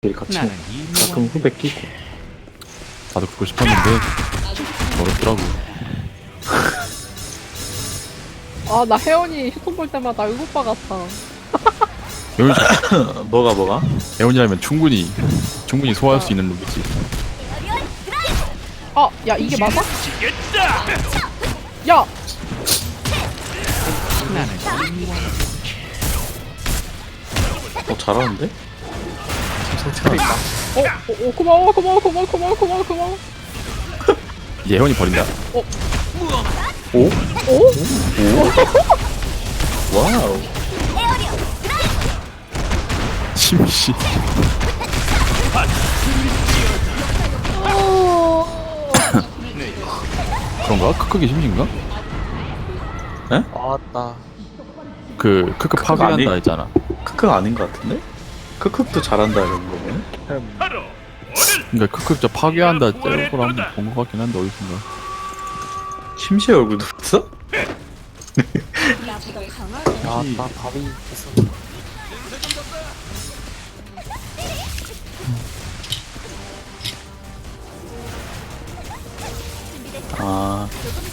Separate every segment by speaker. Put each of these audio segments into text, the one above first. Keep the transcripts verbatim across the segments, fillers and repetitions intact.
Speaker 1: 우리 같이 가끔 후배 끼고.
Speaker 2: 나도 그거 싶었는데 어렵더라고.
Speaker 3: 아, 나 혜원이 휴톤 볼 때마다 의오빠 같아.
Speaker 2: 혜원이,
Speaker 1: 뭐가 뭐가?
Speaker 2: 혜원이라면 충분히 충분히 소화할 수 있는 놈이지.
Speaker 3: 아, 야, 이게 맞아? 야!
Speaker 1: 어 잘하는데?
Speaker 3: 어, 어, 어, 고마워, 고마워, 고마워, 고마워, 고마워, 고마워.
Speaker 2: 이제 혜원이 버린다.
Speaker 3: 어?
Speaker 1: 오?
Speaker 3: 오?
Speaker 1: 와우.
Speaker 2: 심시. 그런가? 크크기 심시인가?
Speaker 4: 아따.
Speaker 2: 그 크크
Speaker 1: 크크
Speaker 2: 파괴한다
Speaker 1: 아니-
Speaker 2: 했잖아.
Speaker 1: 크크 아닌 것 같은데? 크크도 잘한다 이런 거네.
Speaker 2: 그러니까 크크 저 파괴한다 짤걸 한번 본 것 같긴 한데 어디선가.
Speaker 1: 심시의 얼굴도 봤어?
Speaker 4: 아따 밥이 있어.
Speaker 1: 아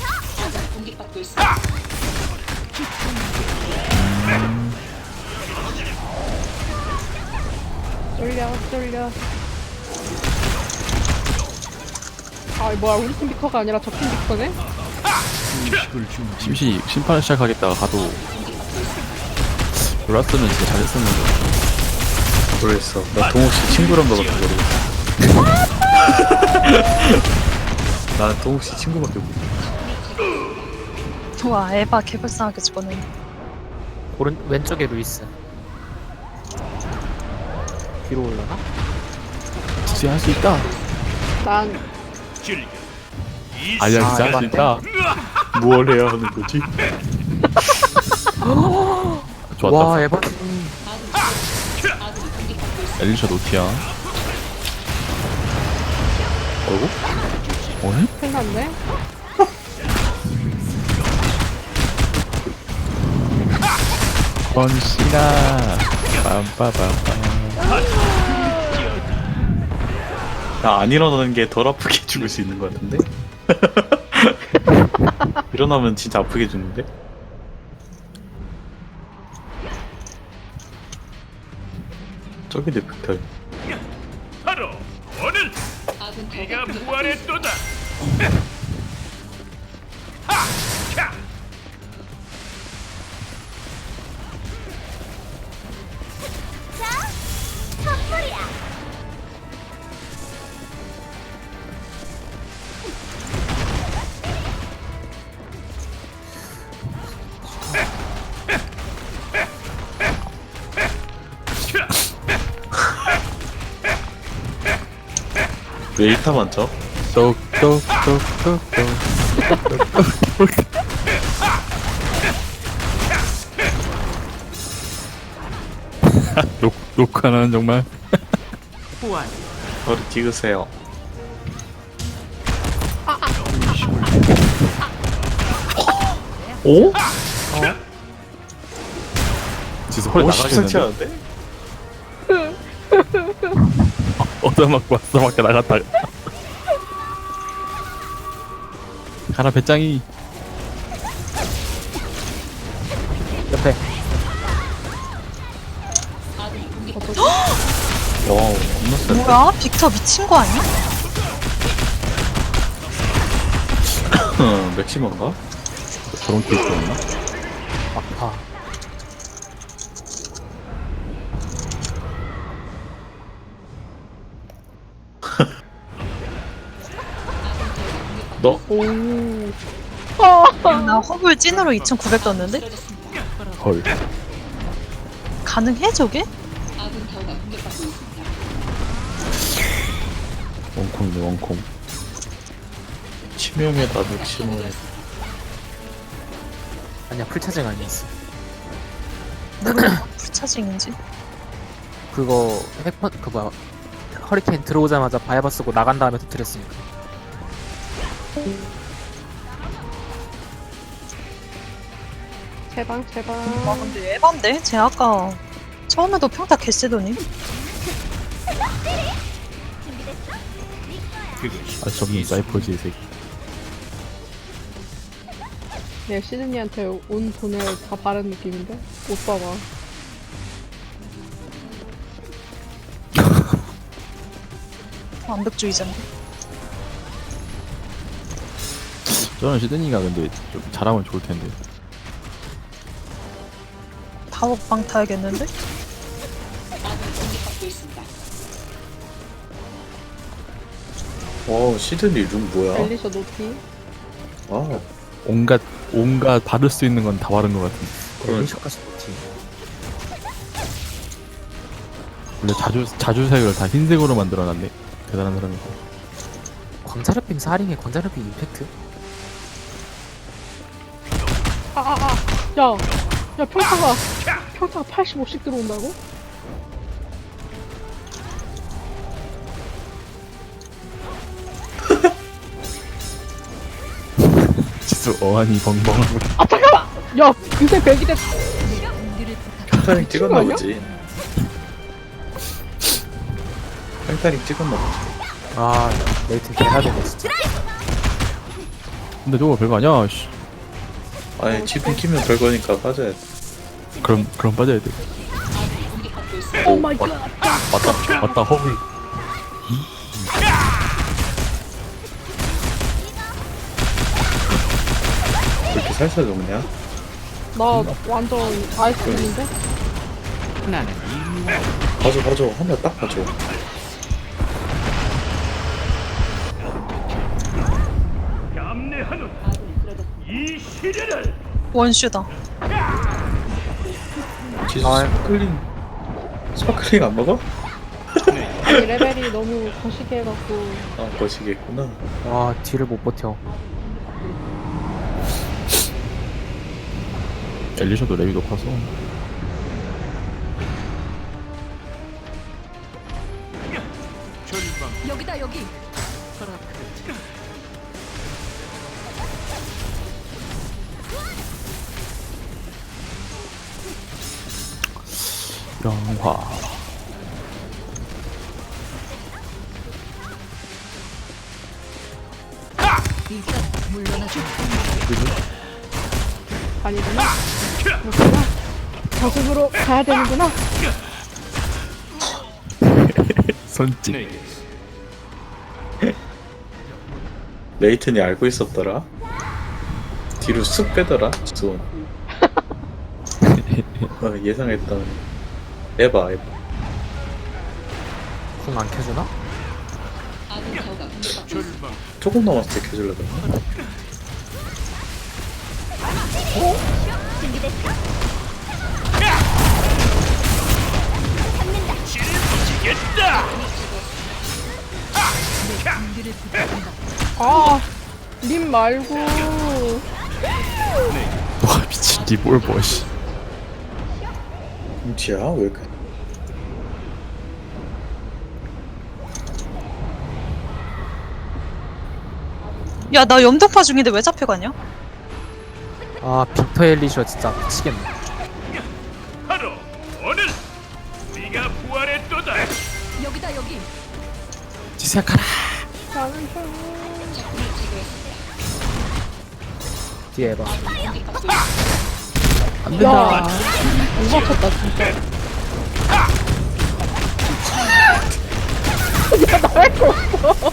Speaker 3: 쫄려, 쫄려. 아, 뭐야, 우리 팀 빅터가 아니라 저 팀 빅터네?
Speaker 2: 심시 심판을 시작하겠다가 가도 몰랐으면 진짜 잘했었는데.
Speaker 1: 모르겠어. 나 동욱씨 친구란 거밖에 모르겠어. 나는 동욱씨 친구밖에 모르겠어.
Speaker 5: 와 에바 개불쌍하게 죽었네.
Speaker 4: 오른 왼쪽에 루이스. 뒤로 올라나?
Speaker 2: 진짜 할 수 있다.
Speaker 3: 난,
Speaker 2: 아니야 진짜 할 수
Speaker 4: 아,
Speaker 2: 있다.
Speaker 1: 뭘 해야 하는 거지?
Speaker 2: 좋았다.
Speaker 4: 와 에바.
Speaker 2: 엘리샤 노티야.
Speaker 1: 어이구?
Speaker 2: 어이?
Speaker 3: 큰일 났네?
Speaker 2: 번시나 빰빠밤.
Speaker 1: 나 안 일어나는 게 덜 아프게 죽을 수 있는 것 같은데? 일어나면 진짜 아프게 죽는데? 저기도 빅털.
Speaker 6: 바로 오늘 네가 부활했도다. 하!
Speaker 1: 왜 일타 많죠?
Speaker 2: 똑똑똑똑똑. 녹 녹화는 정말.
Speaker 1: 저를 찍으세요. 오?
Speaker 2: 진짜 허리
Speaker 1: 오, 십상치
Speaker 2: 나가겠는데.
Speaker 1: 않은데?
Speaker 2: 얻어 맞고 왔어 밖에 나갔다가. 가라 배짱이.
Speaker 4: 옆에.
Speaker 1: 와우, 겁나 세.
Speaker 5: 뭐야? 빅터 미친 거 아니야?
Speaker 1: 맥시멈가?
Speaker 2: 저런 케이스였나?
Speaker 4: 아파.
Speaker 1: 너?
Speaker 3: 오. 아,
Speaker 5: 나 허블 찐으로 이천구백 떴는데?
Speaker 2: 헐.
Speaker 5: 가능해 저게?
Speaker 2: 원콩이네 원콩.
Speaker 1: 치명에다 맥시멈.
Speaker 4: 아니야 풀차징 아니었어.
Speaker 5: 모르겠어. 불차징인지.
Speaker 4: 그거 핵펀 그 뭐야 허리케인 들어오자마자 바이바 쓰고 나간 다음에 터뜨렸으니까.
Speaker 3: 제방, 제방.
Speaker 5: 와 근데 에반데? 쟤 아까 처음에도 평타 개쎄더니.
Speaker 2: 아직 없는 사이퍼즈의 새끼.
Speaker 7: 내가 시드니한테 온 돈을 다 바른 느낌인데? 옷 봐봐.
Speaker 5: 완벽주의자인데.
Speaker 2: 저는 시드니가 근데 좀 잘하면 좋을 텐데.
Speaker 5: 다옥방 타야겠는데?
Speaker 1: 와 시드니 룸 뭐야?
Speaker 7: 엘리셔 노티.
Speaker 1: 아
Speaker 2: 온갖 온갖 바를 수 있는 건 다 바른 것 같은데.
Speaker 1: 그런
Speaker 4: 엘리셔까지 못지.
Speaker 2: 원래 자주 자주색을 다 흰색으로 만들어놨네. 대단한 사람이고.
Speaker 4: 광자르빔 사링에 광자르빔 임팩트?
Speaker 7: 아, 아, 아. 야, 야, 평타가, 평타가 팔십오씩 들어온다고?
Speaker 2: 지수 어안이 벙벙하고.
Speaker 7: 아, 잠깐만! 야, 그새 백이 됐,
Speaker 1: 펜타링 찍었나
Speaker 7: 아니야?
Speaker 1: 보지. 펜타링 찍었나 보지.
Speaker 4: 아 레이튼 개나되네 진짜.
Speaker 2: 근데 저거 별거 아니야. 씨.
Speaker 1: 아니 지금 키면 별거니까 빠져야 돼.
Speaker 2: 그럼 그럼 빠져야 돼.
Speaker 7: 오 마이 갓.
Speaker 2: 맞다 맞다 허블.
Speaker 1: 왜 이렇게 살살 녹냐?
Speaker 7: 나 완전 아이스크림인데?
Speaker 1: 봐줘 봐줘 한 번 딱 봐줘.
Speaker 6: 감내하는 이 시련을
Speaker 5: 원슈다.
Speaker 1: 지수 스파클링 스파클링 안 먹어?
Speaker 7: 아니, 레벨이 너무 거시기 해갖고.
Speaker 1: 아 거시겠구나.
Speaker 4: 와 뒤를 못 버텨.
Speaker 2: 엘리셔도 레벨이 높아서.
Speaker 8: 여기다 여기.
Speaker 2: 영화.
Speaker 8: 일단 물러나줘.
Speaker 7: 아니구나. 그렇구나. 저승으로 가야 되는구나.
Speaker 2: 손짓.
Speaker 1: 레이튼이 알고 있었더라. 뒤로 쑥 빼더라. 지수. 어, 예상했던. 에바 에바.
Speaker 4: 궁 안 켜주나?
Speaker 1: 조금 남았을 때 켜줄라 그랬나?
Speaker 7: 아, 님 말고.
Speaker 2: 와 미친 니뭘 뭐 씨.
Speaker 1: 김치야 왜 이렇게?
Speaker 5: 야, 나 염동파 중인데 왜 잡혀가냐?
Speaker 4: 아 빅터 엘리셔 진짜 미치겠네.
Speaker 6: 바로 오늘 네가 부활했도다.
Speaker 8: 여기다 여기.
Speaker 2: 지수야 가라.
Speaker 7: 나는 좀.
Speaker 4: 뒤에 해봐.
Speaker 2: 안
Speaker 7: 야,
Speaker 2: 된다.
Speaker 7: 못 맞췄다, 진짜. 야, 나 할 거 없어.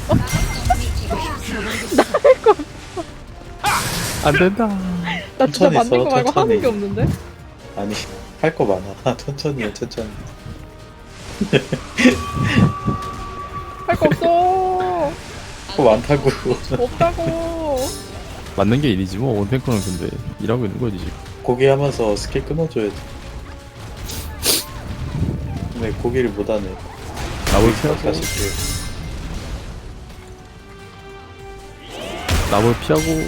Speaker 2: 안 된다.
Speaker 7: 나 진짜
Speaker 1: 천천히
Speaker 7: 만든 거
Speaker 1: 써,
Speaker 7: 말고
Speaker 1: 천천히.
Speaker 7: 하는 게 없는데?
Speaker 1: 아니 할 거 많아. 천천히 해 천천히.
Speaker 7: 할 거 없어.
Speaker 1: 할 거 많다고.
Speaker 7: 없다고.
Speaker 2: 맞는 게 일이지 뭐. 원탱커는 근데 일하고 있는 거지 지금.
Speaker 1: 고기 하면서 스킬 끊어줘야지. 근데 고기를 못하네.
Speaker 2: 나볼 피하고
Speaker 1: 다시
Speaker 2: 나볼 피하고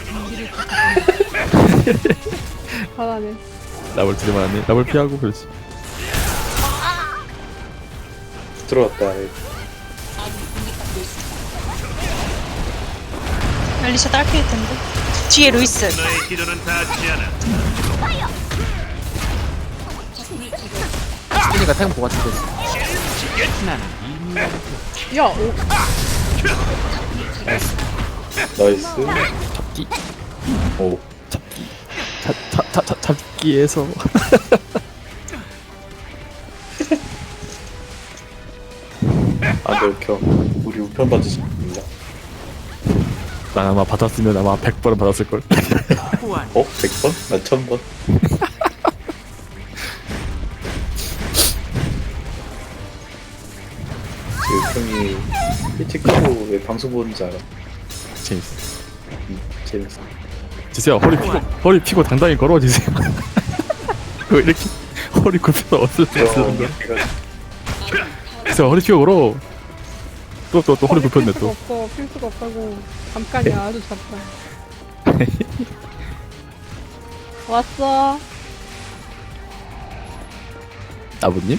Speaker 7: 잘하네.
Speaker 2: 나볼 들이만 하네. 나볼 피하고 그렇지.
Speaker 1: 들어왔다.
Speaker 5: 엘리샤 딸피일 텐데. 뒤에 루이스.
Speaker 6: 너의 기도는 닿지 않아.
Speaker 4: 시드니가 탱 보가 죽겠어.
Speaker 7: 야, 오,
Speaker 1: 나이스. 오.
Speaker 2: 자, 자, 자, 자, 잡기에서
Speaker 1: 안 들켜. 우리 우편 받으십니다.
Speaker 2: 난 아마 받았으면 아마 백 번은 받았을걸.
Speaker 1: 어? 백 번? 난 천 번. 제 우편이 일찍 하고 왜 방송 보는지 알아?
Speaker 2: 재밌어.
Speaker 1: 음, 재밌어.
Speaker 2: 지세요, 허리 피고, 허리 피고 당당히 걸어지세요. 그거 이렇게 허리 굽혀서 어쩔 수 없는 거야. 지세요, 허리 피고 걸어. 또, 또, 또 허리 굽혔네,
Speaker 7: 필수가
Speaker 2: 또.
Speaker 7: 없어, 필수가 없다고. 잠깐이야, 아주 잠깐. 왔어.
Speaker 2: 아버님?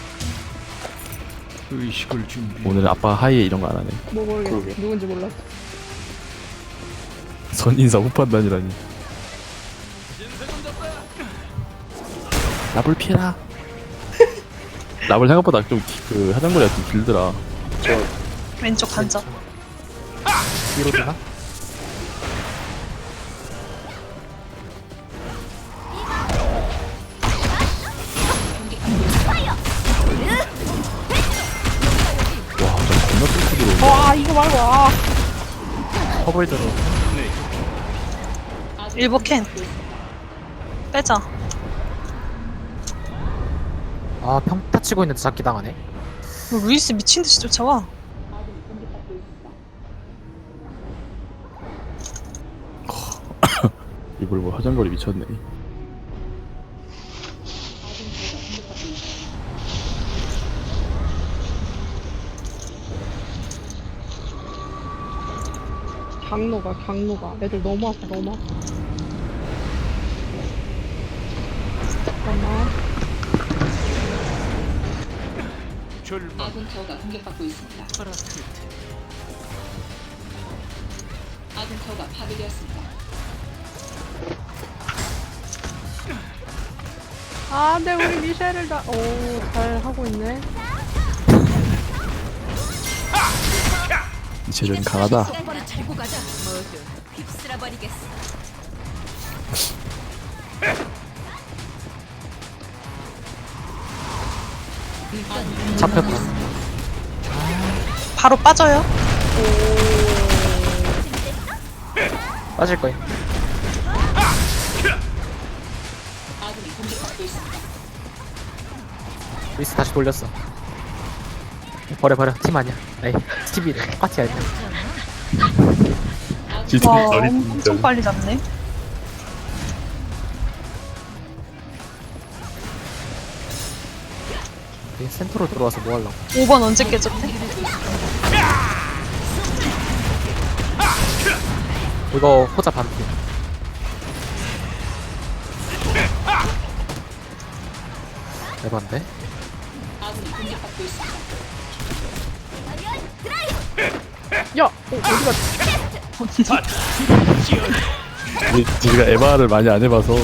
Speaker 6: 의식을 준비.
Speaker 2: 오늘 아빠 하이에 이런 거 안 하네.
Speaker 7: 뭐 모르겠어.
Speaker 1: 그러게.
Speaker 7: 누군지 몰랐어.
Speaker 2: 선인사 후판단이라니. 랍을 피해라. 랍을 생각보다 좀 그 화장거리가 좀 길더라.
Speaker 1: 저
Speaker 5: 왼쪽 간접.
Speaker 4: 위로 되나?
Speaker 2: 와, 저 겁나 뚫고 들어.
Speaker 7: 아, 이거 말고, 아.
Speaker 4: 허블 들어.
Speaker 5: 일보 캔. 빼자.
Speaker 4: 아, 평타 치고 있는데 잡기 당하네.
Speaker 5: 뭐 루이스 미친듯이 쫓아와.
Speaker 2: 이걸 뭐 화장거리 미쳤네.
Speaker 7: 강로가, 강로가. 애들 너무 아파, 너무 아파. 잠깐만.
Speaker 6: 출발.
Speaker 8: 아군 타워가 공격받고 있습니다. 아군 타워가 파괴되었습니다.
Speaker 7: 아, 근데 우리 미셸을 다, 오, 잘 하고 있네.
Speaker 2: 이 체전 강하다.
Speaker 8: 시간을 차리고 가자. 모두 휩쓸어 버리겠어.
Speaker 4: 잡혔다.
Speaker 5: 바로 빠져요.
Speaker 4: 빠질 거야.
Speaker 8: 아군이 공격받고 있습니다.
Speaker 4: 리스 다시 돌렸어. 버려, 버려. 팀 아니야. 에이, 팀이래. 파티 아니야.
Speaker 2: 진짜
Speaker 5: 와,
Speaker 2: 머리
Speaker 5: 엄청 빨리 잡네.
Speaker 4: 얘 센터로 들어와서 뭐 하려고.
Speaker 5: 오 번 언제 깨졌대?
Speaker 4: 이거 호자 반피. 에반데?
Speaker 8: 아군이 공격받고 있습니다.
Speaker 7: 야, 어, 어디가,
Speaker 2: 우리가 에바를 많이 안 해봐서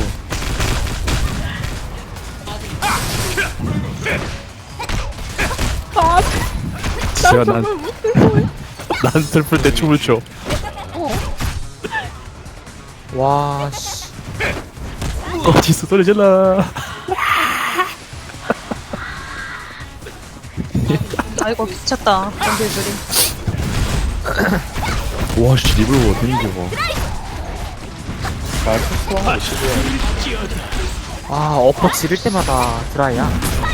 Speaker 7: 아,
Speaker 2: 제가 난,
Speaker 7: 정말 못해서.
Speaker 2: 난 슬플 때 춤을 춰.
Speaker 4: 와, 씨.
Speaker 2: 어디서 소리 질러.
Speaker 5: 아이고 미쳤다. 연필들이.
Speaker 2: 와, 씨, 립을 뭐 어떻게 이겨.
Speaker 1: 잘 소소한 거 시도해.
Speaker 4: 아, 어퍼 지를 때마다 드라이야.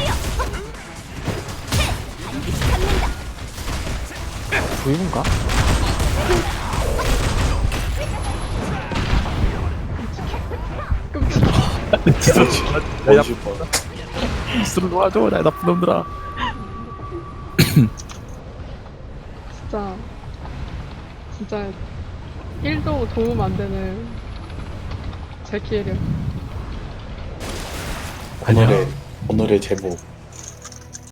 Speaker 4: 조이분가?
Speaker 1: 원슈 번.
Speaker 2: 스스로 놓아줘, 나 나쁜 놈들아.
Speaker 7: 진짜. 진짜. 일도 도움 안 되는. 제 기회력.
Speaker 2: 아니야.
Speaker 1: 오늘의 오늘의 제목